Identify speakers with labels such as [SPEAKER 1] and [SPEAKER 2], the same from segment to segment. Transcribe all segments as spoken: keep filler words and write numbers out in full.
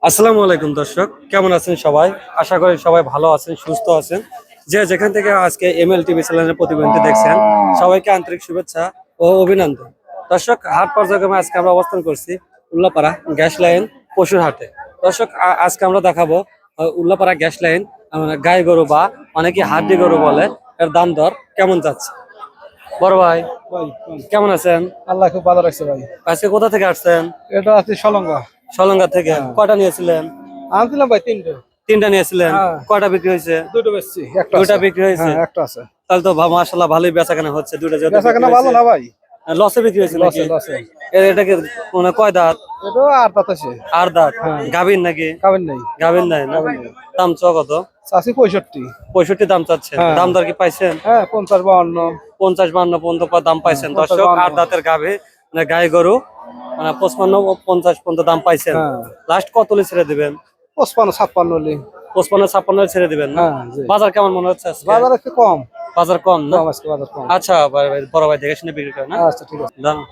[SPEAKER 1] আসসালামু আলাইকুম দর্শক, কেমন আছেন সবাই? আশা করি সবাই ভালো আছেন, সুস্থ আছেন। যে যেখান থেকে আজকে এমএল টিভি চ্যানেলের প্রতিবেদনটি দেখছেন, সবাইকে আন্তরিক শুভেচ্ছা ও অভিনন্দন। দর্শক, হাট পর্যায়ক্রমে আজকে আমরা অবস্থান করছি উল্লাপাড়া গ্যাস লাইন পশুর হাটে। দর্শক, আ- আজকে আমরা দেখাবো আহ, উল্লাপাড়া গ্যাস লাইন আহ, গাই গরু বা অনেকে হাড্ডি গরু বলে, এর দাম দর কেমন যাচ্ছে। বড় ভাই,
[SPEAKER 2] ভাই
[SPEAKER 1] কেমন আছেন?
[SPEAKER 2] আল্লাহ খুব ভালো রাখছে ভাই।
[SPEAKER 1] আজকে কোথা থেকে আসছেন?
[SPEAKER 2] এটা আছে সলঙ্গা।
[SPEAKER 1] সলঙ্গা থেকে। কয়টা নিয়েছিলেন?
[SPEAKER 2] আনছিলাম ভাই তিনটে।
[SPEAKER 1] তিনটা নিয়েছিলেন।
[SPEAKER 2] হ্যাঁ।
[SPEAKER 1] কয়টা বিক্রি হয়েছে?
[SPEAKER 2] দুটো বেচছি, একটা
[SPEAKER 1] দুইটা
[SPEAKER 2] আছে।
[SPEAKER 1] বিক্রি হয়েছে?
[SPEAKER 2] হ্যাঁ, একটা আছে।
[SPEAKER 1] তাহলে তো মাশাআল্লাহ ভালোই বেচাকেনা হচ্ছে। দুইটা যেহেতু
[SPEAKER 2] বেচা কেনা
[SPEAKER 1] বিক্রি
[SPEAKER 2] ভালো
[SPEAKER 1] হয়েছে।
[SPEAKER 2] না ভাই?
[SPEAKER 1] লসে বিক্রি হয়েছে নাকি?
[SPEAKER 2] লসে লসে।
[SPEAKER 1] এ- এটা কি মানে কয় দাঁত?
[SPEAKER 2] এটা আর দাঁত আছে।
[SPEAKER 1] আর দাঁত?
[SPEAKER 2] হ্যাঁ।
[SPEAKER 1] গাভীর নাকি?
[SPEAKER 2] খাবেন নাই।
[SPEAKER 1] গাভীর নাই না?
[SPEAKER 2] গাভীর নাই।
[SPEAKER 1] দাম চ কত?
[SPEAKER 2] চাষি পঁয়ষট্টি।
[SPEAKER 1] পঁয়ষট্টি দাম চাচ্ছে।
[SPEAKER 2] হ্যাঁ।
[SPEAKER 1] দাম দর কি পাইছেন?
[SPEAKER 2] হ্যাঁ, পঞ্চাশ বাউন্ন।
[SPEAKER 1] পঞ্চাশ বান্ন পর্যন্ত পর দাম পাইছেন।
[SPEAKER 2] হ্যাঁ, পঞ্চাশ
[SPEAKER 1] দর্শক,
[SPEAKER 2] বাহান্ন।
[SPEAKER 1] আট দাঁতের গাভী মানে গাই গরু মানে পঁচপান্ন ও পঞ্চাশ পর্যন্ত দাম পাইছেন।
[SPEAKER 2] হ্যাঁ।
[SPEAKER 1] লাস্ট কত হলে ছেড়ে দিবেন?
[SPEAKER 2] পঁচপান্ন ছাপ্পান্ন হলে।
[SPEAKER 1] পঁচপান্ন ছাপ্পান্ন হলে ছেড়ে দিবেন না?
[SPEAKER 2] হ্যাঁ, জি।
[SPEAKER 1] বাজার কেমন মনে হচ্ছে আজকে?
[SPEAKER 2] বাজার একটু কম।
[SPEAKER 1] বাজার কম না?
[SPEAKER 2] কম আজকে বাজার কম।
[SPEAKER 1] আচ্ছা, বড় ভাই বড় ভাই দেখে শুনে বিক্রি করে না?
[SPEAKER 2] আচ্ছা, ঠিক আছে।
[SPEAKER 1] দাম।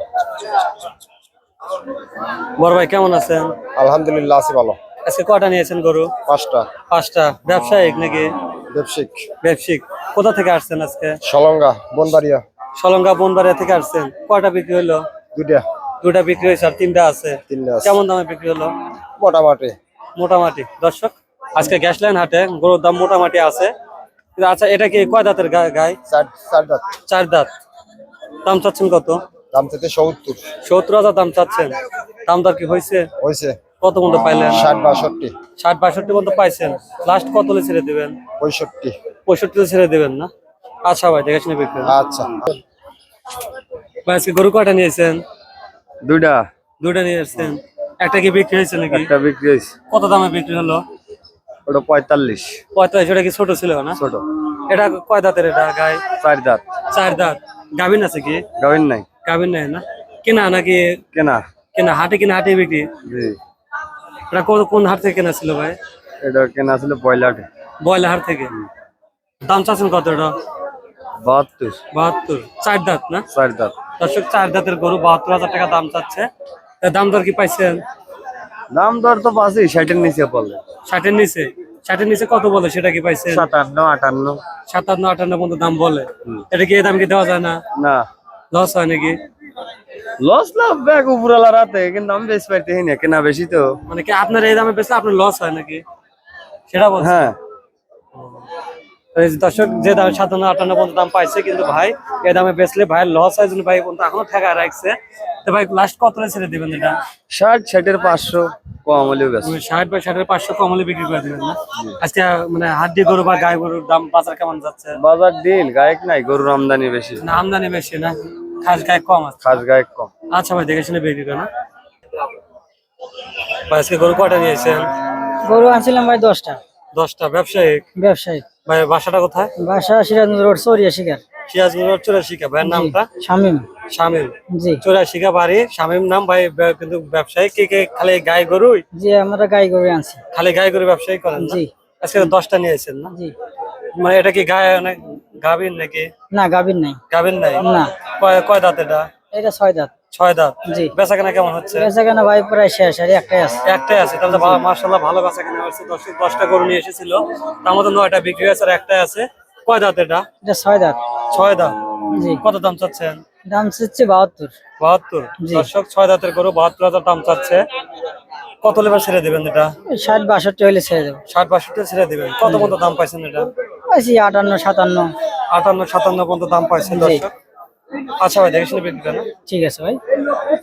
[SPEAKER 1] বড় ভাই কেমন আছেন?
[SPEAKER 2] আলহামদুলিল্লাহ আছি ভালো।
[SPEAKER 1] আজকে কয়টা নিয়েছেন গরু?
[SPEAKER 2] পাঁচটা।
[SPEAKER 1] পাঁচটা। ব্যবসায়িক নাকি?
[SPEAKER 2] ব্যবসায়িক।
[SPEAKER 1] ব্যবসায়িক। কোথা থেকে আসছেন আজকে?
[SPEAKER 2] সলঙ্গা বনবাড়িয়া।
[SPEAKER 1] সলঙ্গা বনবাড়িয়া থেকে আসছেন। কয়টা বিক্রি হলো?
[SPEAKER 2] দুইটা।
[SPEAKER 1] দুটা বিক্রি হয়েছে আর তিনটা আছে।
[SPEAKER 2] তিনটা আছে।
[SPEAKER 1] কেমন দামে বিক্রি হলো?
[SPEAKER 2] মোটামুটি।
[SPEAKER 1] মোটামুটি। দর্শক, আজকে গ্যাস লাইন হাটে গরুর দাম মোটামুটি আছে। কিন্তু আচ্ছা, এটা কি কয় দাঁতের গা- গাই?
[SPEAKER 2] চার চার দাঁত।
[SPEAKER 1] চার দাঁত। দাম চাচ্ছেন কত?
[SPEAKER 2] দাম থেকে সত্তর।
[SPEAKER 1] সত্তর হাজার দাম চাচ্ছেন। দাম দর কি হয়েছে?
[SPEAKER 2] হয়েছে।
[SPEAKER 1] কত পর্যন্ত পাইলেন?
[SPEAKER 2] ষাট বাষট্টি।
[SPEAKER 1] ষাট বাষট্টি পর্যন্ত পাইছেন। লাস্ট কত হলে ছেড়ে দিবেন?
[SPEAKER 2] পঁয়ষট্টি।
[SPEAKER 1] পঁয়ষট্টি ছেড়ে দিবেন না? আচ্ছা ভাই, দেখে শুনে বিক্রি করুন।
[SPEAKER 2] আচ্ছা।
[SPEAKER 1] ভাই, আজকে গরু কয়টা নিয়েছেন?
[SPEAKER 2] দুইটা।
[SPEAKER 1] দুইটা নিয়ে আসছেন। একটা কি বিক্রি হয়েছে নাকি?
[SPEAKER 2] একটা বিক্রি হয়েছে।
[SPEAKER 1] কত দামে বিক্রি হলো?
[SPEAKER 2] ওটা পঁয়তাল্লিশ।
[SPEAKER 1] পঁয়তাল্লিশ। ওটা কি ছোট ছিল না?
[SPEAKER 2] ছোট।
[SPEAKER 1] এটা কয় দাঁতের? এটা গাই
[SPEAKER 2] চার দাঁত।
[SPEAKER 1] চার দাঁত। গাভিন আছে কি?
[SPEAKER 2] গাভিন নাই।
[SPEAKER 1] গাভিন নাই না? কেনা নাকি?
[SPEAKER 2] কেনা।
[SPEAKER 1] কেনা। হাটে কিনা? হাটে বিক্রি?
[SPEAKER 2] জি।
[SPEAKER 1] এটা কোন কোন হাট থেকে কেনা ছিল ভাই?
[SPEAKER 2] এটা কেনা ছিল বয়লাটে।
[SPEAKER 1] বয়লা হাট থেকে। দাম চাচ্ছেন কত এটা?
[SPEAKER 2] বাহাত্তর।
[SPEAKER 1] বাহাত্তর। চার দাঁত না?
[SPEAKER 2] চার দাঁত।
[SPEAKER 1] দর্শক, চার দাঁতের গরু বাহাত্তর হাজার টাকা দাম চাচ্ছে। এর দাম দর কি পাইছেন?
[SPEAKER 2] দাম দর তো পাচ্ছি ষাটের নিচে পড়লে।
[SPEAKER 1] ষাটের নিচে। ষাটের নিচে কত বলে সেটা কি পাইছেন?
[SPEAKER 2] সাতান্ন আটান্ন।
[SPEAKER 1] সাতান্ন আটান্ন পর্যন্ত দাম বলে। এটা কি এই দাম কি দেওয়া যায় না?
[SPEAKER 2] না।
[SPEAKER 1] লস হয় নাকি?
[SPEAKER 2] লস লাভ ব্যাগ উপরালা রাতে, কিন্তু আমি বেশ পাইতেছি না, কেনা বেশি তো।
[SPEAKER 1] মানে কি আপনার এই দামে বেচলে আপনার লস হয় নাকি? সেটা বলছেন?
[SPEAKER 2] হ্যাঁ।
[SPEAKER 1] এই যে দর্শক, যে দাম সাতান্ন আটান্ন পর্যন্ত দাম পাইছে, কিন্তু ভাই এই দামে বেচলে ভাই লস হয় জন্য ভাই পর্যন্ত এখনো ঠেকা রাখছে। তো ভাই লাস্ট কত ছেড়ে দিবেন এটা?
[SPEAKER 2] ষাট ষাটের পাঁচশো কম হলেও গেছে।
[SPEAKER 1] মানে ষাট বা ষাটের পাঁচশো কম হলে বিক্রি করে দিবেন না? আজকে মানে হাড্ডি গরু বা গাই গরুর দাম বাজার কেমন যাচ্ছে?
[SPEAKER 2] বাজার ডিল গায়ক নাই, গরুর আমদানি বেশি।
[SPEAKER 1] না, আমদানি বেশি না, খাস গায়ে কম আছে।
[SPEAKER 2] খাস গায়ক কম।
[SPEAKER 1] আচ্ছা ভাই, দেখে শুনে বিক্রি করেন। ভাই, আজকে গরু কয়টা নিয়েছেন?
[SPEAKER 3] গরু আনছিলাম ভাই দশটা।
[SPEAKER 1] দশটা। ব্যবসায়িক?
[SPEAKER 3] ব্যবসায়িক।
[SPEAKER 1] ভাই, বাসাটা কোথায়?
[SPEAKER 3] বাসা সিরাজগঞ্জ রোড চৌরিয়া শিকার।
[SPEAKER 1] সিরাজগঞ্জ চুরাশিকা। ভাইয়ের নামটা?
[SPEAKER 3] শামিম।
[SPEAKER 1] শামিম।
[SPEAKER 3] জি
[SPEAKER 1] চুরাশিকা বাড়ি, শামিম নাম। ভাই বে- কিন্তু ব্যবসায়ী কে কে খালি গাই গরুই?
[SPEAKER 3] জি, আমরা গাই গরু আনছি।
[SPEAKER 1] খালি গাই গরু ব্যবসায়ী করেন না?
[SPEAKER 3] জি
[SPEAKER 1] আজকে দশটা নিয়েছেন না?
[SPEAKER 3] জি।
[SPEAKER 1] মানে এটা কি গায়ে অনেক গাভীর নাকি?
[SPEAKER 3] না, গাভীর নাই।
[SPEAKER 1] গাভীর নাই
[SPEAKER 3] না।
[SPEAKER 1] কয় কয় দাঁত এটা?
[SPEAKER 3] এটা ছয় দাঁত।
[SPEAKER 1] ছয় দাঁত।
[SPEAKER 3] জি।
[SPEAKER 1] বেচা কেনা কেমন হচ্ছে?
[SPEAKER 3] বেচা কেনা ভাই প্রায় শেষ, আর একটাই আছে।
[SPEAKER 1] একটাই আছে। তাহলে মাশাআল্লাহ ভালো বেচা কেনা হচ্ছে। দশ দশটা গরু নিয়ে এসেছিল, তার মধ্যে নয়টা বিক্রি হয়েছে আর একটাই আছে। কয় দাঁত এটা?
[SPEAKER 3] এটা ছয় দাঁত।
[SPEAKER 1] ছয় দাঁত।
[SPEAKER 3] জি।
[SPEAKER 1] কত দাম চাচ্ছেন?
[SPEAKER 3] দাম চাচ্ছে বাহাত্তর।
[SPEAKER 1] বাহাত্তর।
[SPEAKER 3] জি।
[SPEAKER 1] দর্শক, ছয় দাঁতের গরু বাহাত্তর হাজার দাম চাচ্ছে। কত লেবার ছেড়ে দিবেন এটা?
[SPEAKER 3] ষাট বাষট্টি হলে ছেড়ে দেবো।
[SPEAKER 1] ষাট বাষট্টি ছেড়ে দিবেন। কত পর্যন্ত দাম পাইছেন এটা?
[SPEAKER 3] আছি আটান্ন সাতান্ন।
[SPEAKER 1] আটান্ন সাতান্ন পর্যন্ত দাম পাইছেন
[SPEAKER 3] জি।
[SPEAKER 1] দর্শক। আচ্ছা ভাই, দেখে শুনে বিক্রি করেন।
[SPEAKER 3] ঠিক আছে ভাই।